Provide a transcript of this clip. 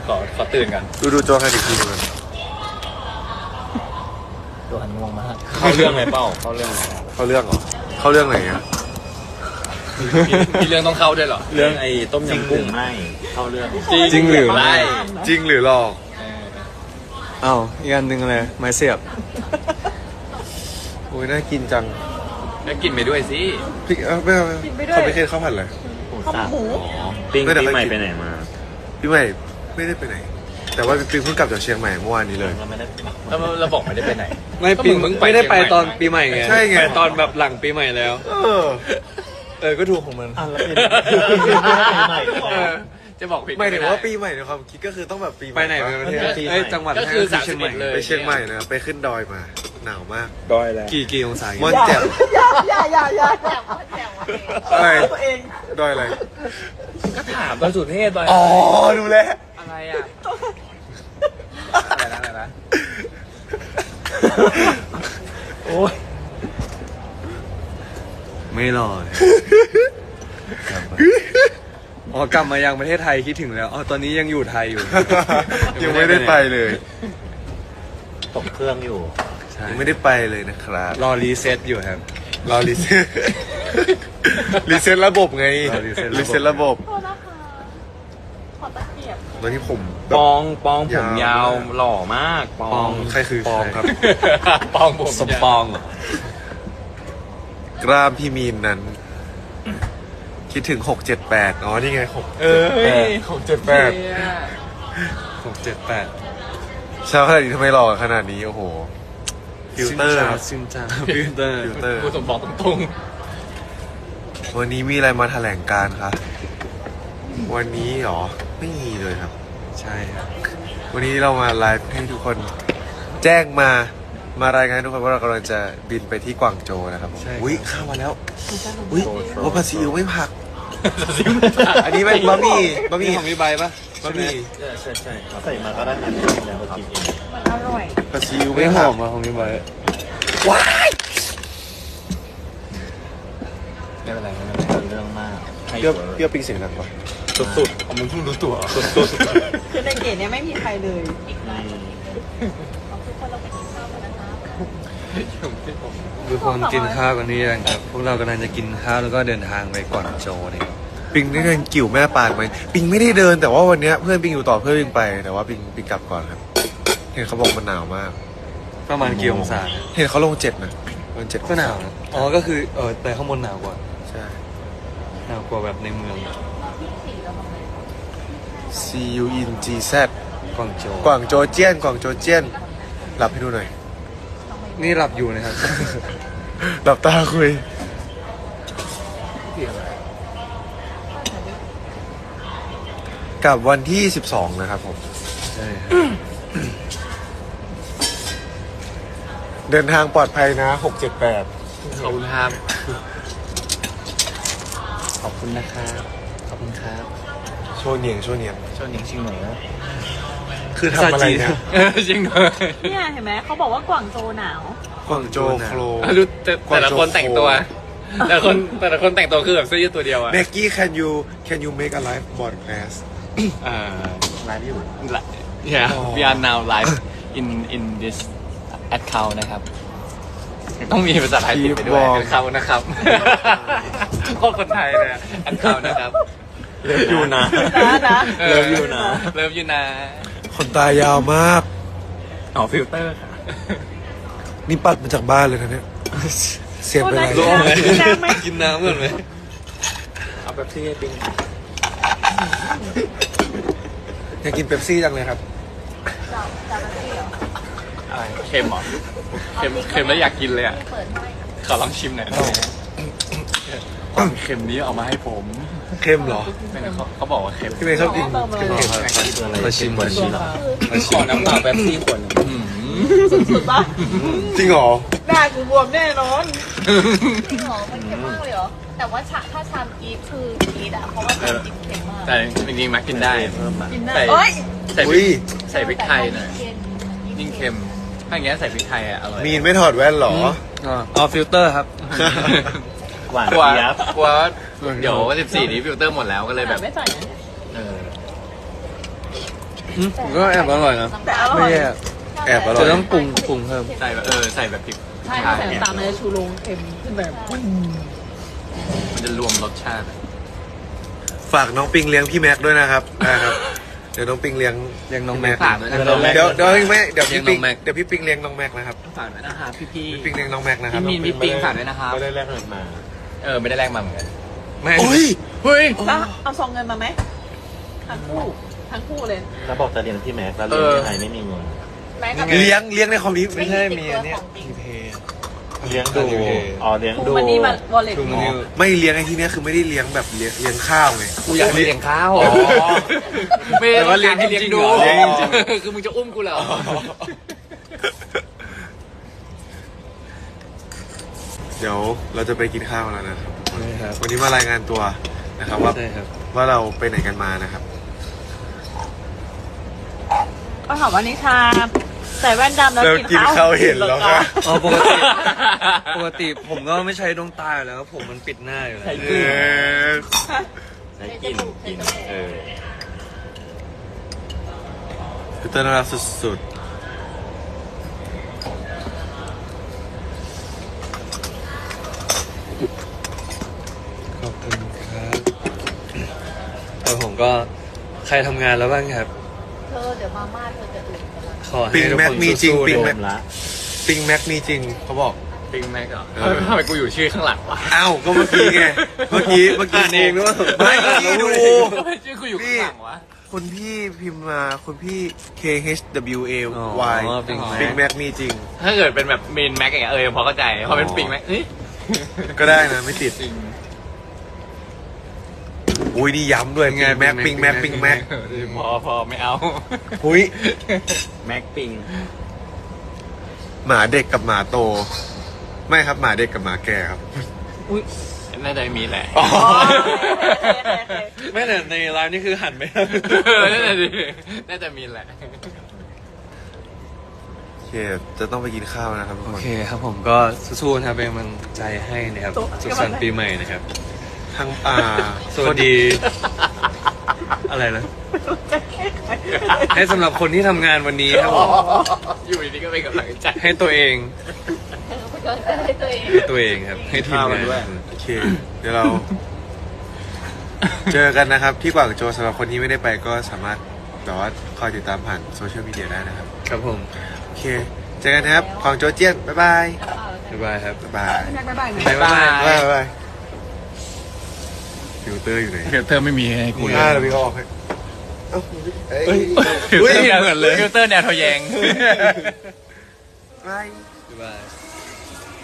ขอตื่นกันดูโจกันอีกทีนึงตัวหันง่วงมากเข้าเรื่องไหมเป้าเข้าเรื่องไหมเข้าเรื่องเหรอเข้าเรื่องไหนอ่ะมีเรื่องต้องเข้าด้วยเหรอเรื่องไอ้ต้มยำกุ้งไม่เข้าเรื่องจริงหรือไม่จริงหรือหลอกอ้าวอีกอันหนึ่งอะไรไม้เสียบโอ้ยน่ากินจังแล้วกินไปด้วยสิพี่ไม่เอาเขาไม่เคยข้าวผัดเลยข้าวหมูปิ้งปีใหม่ไปไหนมาพี่ใหม่ไม่ได้ไปไหน แต่ว่าปิงเพิ่งกลับจากเชียงใหม่เมื่อวานนี้เลยเราไม่ได้แล้วเราบอกไม่ได้ไปไหนไม่ปีก็มึงไม่ได้ไปเชียงใหม่ตอนปีใหม่ไงใช่ไงปตอนแบบหลังปีใหม่แล้ว ก็ถูกของมันอ่ะแล้วเป็นปีใหม่เออจะบอกผิดหมายถึงว่าปีใหม่ในความคิดก็คือต้องแบบปีใหไปม่ไหนไปประเทศปีใหม่เอ้ยจังหวัดก็คือไหนเชียงใหม่ 31เลยไปเชียงใหม่นะไปขึ้นดอยมาหนาวมากดอยแล้วกี่องศาม่อนแจ่มอย่าอะไรตัวเองดอยอะไรก็ถามตอนสุเทพไปอ๋อดูแลวอะไรอ่ะอะไรนะโอ้ยไม่รอดอ๋อกลับมายังประเทศไทยคิดถึงแล้วอ๋อตอนนี้ยังอยู่ไทยอยู่ยังไม่ได้ไปเลยตกเครื่องอยู่ใช่ยังไม่ได้ไปเลยนะครับรอรีเซ็ตอยู่ครับรอรีเซ็ต รีเซ็ตระบบไงรอรีเซ็ตระบบรีเซ็ตระบบโทษนะคะขอตะเกียบตอนนี้ผมแบปบองผมยาวหล่อมากปองใครคือปองครับปองผมสมปองเหรอกล้ามพี่มีนนั้น คิดถึง678อ๋อนี่ไง6 เออ 678 678 เช้าขนาดนี้ทำไมหล่อขนาดนี้โอ้โหฟิลเตอร์ครับซินจ้าฟิลเตอร์ฟิลเตอร์กูสมบอกตรงวันนี้มีอะไรมาแถลงการคะวันนี้หรอไม่มีเลยครับใช่ครับวันนี้เรามาไลฟ์ให้ทุกคนแจ้งมารายงานให้ทุกคนว่าเรากำลังจะบินไปที่กวางโจวนะครับผมอุ้ยข้าวมาแล้วอุ้ยโอ้ผัดซีอิ๊วไม่ผัก อันนี้เป็นบะหมี่นี่ของพี่ใบปะบะหมี่ใช่เขาใส่มาก็ได้ทันแล้วก็กินเองมันอร่อยผัดซีอิ๊วไม่ไม่หผัอก มมาของพี่ใบว้ายๆไม่เป็นไรไม่เป็นไรเรื่องมากเปรี้ยวปิงเสียงดังปะสุดๆมึงเพิ่งรู้ตัวสุดคือในเกตเนี่ยไม่มีใครเลยทุกคนกินข้าวกันนี่ยังครับ พวกเรากำลังจะกินข้าวแล้วก็เดินทางไปกวางโจวนี่ครับปิงได้เดินกิ่วแม่ปานไหมปิงไม่ได้เดินแต่ว่าวันเนี้ยเพื่อนปิงอยู่ต่อเพื่อนปิงไปแต่ว่าปิงกลับก่อนครับ เห็นเขาบอกมันหนาวมากประมาณกี่องศาเห็นเขาลง7นะมัน7 ก็หนาวนะอ๋อก็คือแต่ข้างบนหนาวกว่าใช่หนาวกว่าแบบในเมือง C U N G Z กวางโจวกวางโจเจี้ยนกวางโจเจี้ยนหลับให้ดูหน่อยนี่หลับอยู่นะครับหลับตาคุยกับวันที่12นะครับผมใช่ครับเดินทางปลอดภัยนะ678 ๆขอบคุณครับขอบคุณนะครับขอบคุณครับโชว์เนียงโชว์เนียงชวนหนิงชิงหน่อยนะคือทำอะไรเนี่ยจริงเลยเนี่ยเห็นไหมเขาบอกว่ากวางโจหนาวกวางโจโคลรู้แต่ละคนแต่งตัว แต่ละคนแต่งตัวคือแบบเสื้อยืดตัวเดียวอะเนกกี้ can you make a live broadcast ไลฟ์อยู่ Yeah we are now live in this account นะครับ ต้องมีภาษาไทยติดไปด้วย account นะครับโคตรคนไทยเลย account นะครับเลิฟอยู่นะนะเลิฟอยู่นะเลิฟยูนะคนตายาวมากอ๋อฟิลเตอร์ค่ะนี่ปัดมาจากบ้านเลยนะเนี่ย เสียงเป็นไรโทษนะกินน้ำไหมกินน้ำก่อนไหมเอาแบบที่ให้ปิ้งอยากกินเป๊ปซี่จังเลยครับอะไรเค็มเหรอเค็มแล้วอยากกินเลยอ่ะ ขอลองชิมหน่อยได้ไหมความเค็มนี้เอามาให้ผมเข้มเหรอไม่งั้นเขาบอกว่าเค็มพี่เมย์ชอบกินเติมเลยเค็มคืออะไรมาชิมกว่าชีสเหรอขอน้ำเปล่าแป๊บซี่ขวดหนึ่งสุดๆปะจริงเหรอหน้ากูบวมแน่นอนหรอมันเค็มมากเลยเหรอ แต่ว่าถ้าชามกีดคือกรีดอะเพราะว่าชามกีดเค็มมากแต่จริงๆมักกินได้เพิ่มมากินได้ใส่เอ้ยใส่พอุ้ริยกใส่พริกไทยหน่อยเค็มยิ่งเค็ม ถ้าอย่างเงี้ยใส่พริกไทยอ่ะอร่อยมีนไม่ถอดแว่นเหรออ๋อฟิลเตอร์ครับหวานกลัวเจี๊ยบกลัวเดี๋ยว14นี้ฟิลเตอร์หมดแล้วก็เลยแบบไม่ใส่นะเออผมก็แอบอร่อยนะแต่อร่อไม่ยแย่แอบอร่อจะยต้องปรุงเพิ่มใส่แบบใส่แบบพริกใช่ถ้าใส่น้ำตาลมันจะชูโรงเค็มขึ้นแบบมันจะรวมรสชาติฝากน้องปิงเลี้ยงพี่แม็กด้วยนะครับนะครับ เดี๋ยวน้องปิงเลี้ยงเลี้ยงน้องแม็กฝากด้วยนะเดี๋ยวพี่แม็กเดี๋ยวเลี้พี่ยงน้ปิอง งแม็กเดี๋ยวพี่ปิงเลี้ยงน้องแม็กนะครับฝากด้วยนะครับพี่พี่ปิงเลี้ยงน้องแม็กนะครับพี่มีนพี่ปิงฝากด้วยนะครับไม่ได้แลกเงินมาไม่ได้แลกมาเหมือนกันไม่โอ้ยเฮ้ยแล้วเอาซองเงินมาไหมทั้งคู่เลยแล้วบอกจะเรียนที่แม็กแล้วเรียนที่ไหนไม่มีเงินแม้กับเลี้ยงในคอมพิวเตอร์ไม่ใช่มีอันเนี้ยของจริงทีเพย์เลี้ยงดูอ๋อเลี้ยงคูดูมันนี่มาวอลเล็ตดูมันนี่ไม่เลี้ยงไอ้ที่เนี้ยคือไม่ได้เลี้ยงแบบเลี้ยงข้าวไงกูอยากเลี้ยงข้าวไม่แต่ได้ว่าเลี้ยงให้จริงๆดูเหรอเลี้ยงจริงคือมึงจะอุ้มกูเหรอเดี๋ยวเราจะไปกินข้าวแล้วนะครับใช่ครับวันนี้มารายงานตัวนะครับว่าใช่ครับว่าเราไปไหนกันมานะครับก็ถามว่านิชาใส่แว่นดำแล้วเรากินข้าวเห็นแล้วค่ะอ๋อปกติผมก็ไม่ใช้ดวงตาอยู่แล้วผมมันปิดหน้าอยู่แล้วใช้กินเออคือเต้นน่ารักสุดขอบคุณครับแล้วผมก็ใครทำงานแล้วบ้างครับเธอเดี๋ยวมาม่าเธอจะอื่นกันละขอๆให้ปิงทุกแม็คกนมีจริงสู้ๆปิงรแม็วกมละปิงแม็กมีจริงเขาบอกปิงแม็กเหรอเออทำไมกูอยู่ชื่อข้างหลังวะอ้าวก็เมื่อกี้ไงเมื่อกี้อ่านเองด้วยไม่เมื่อกี้ดูทำไมชื่อกูอยู่ข้างหลังวะคนพี่พิมพ์มาคนพี่ K H W A อ๋ Y อปิงปิงแม็กแม็กมีจริงถ้าเกิดเป็นแบบเมนแม็กอย่างเงี้ยพอเข้าใจพอเป็นปิงแม็กเฮ้ยก็ได้นะไม่ติดจริงอุ้ยนี่ย้ำด้วยปิงแม็กปิงแม็กปิงแม็กพอไม่เอาอุ้ยแม็กปิงหมาเด็กกับหมาโต ไม่ครับหมาเด็กกับหมาแก่ครับน่าจะมีแหละไม่แต่ในไลน์นี่คือหันไปน่าจะมีแหละโอเค จะต้องไปกินข้าวนะครับทุกโอคนเคครับผมก็สู้ๆนะครับเป็นกำลังใจให้นะครับสุขสันต์ปีใหม่นะครับทางสวัสดี อะไรนะให้สำหรับคนที่ทำงานวันนี้ครับผมอยู่ดีๆก็เป็นกำลังใจให้ตัวเองให้ตัวเองให้ตัวเองครับ ให้ทีมงานโอเค เดี๋ยวเรา เจอกันนะครับ ที่กวางโจวสำหรับคนที่ไม่ได้ไปก็สามารถแบบว่าคอยติดตามผ่านโซเชียลมีเดียได้นะครับครับผมโอเค เจอกันนะครับกวางโจวเจี้ยน บ๊ายบายบ๊ายบายครับบ๊ายบายบ๊ายบายบ๊ายบายบ๊ายบายบ๊ายบายฟิลเตอร์อยู่ไหนฟิลเตอร์ไม่มีให้กูเดี๋ยวพี่เขาออกให้เอ้าเอ้ยฟิลเตอร์เหมือนเลยฟิลเตอร์แนวทะแยงบายบ๊ายบาย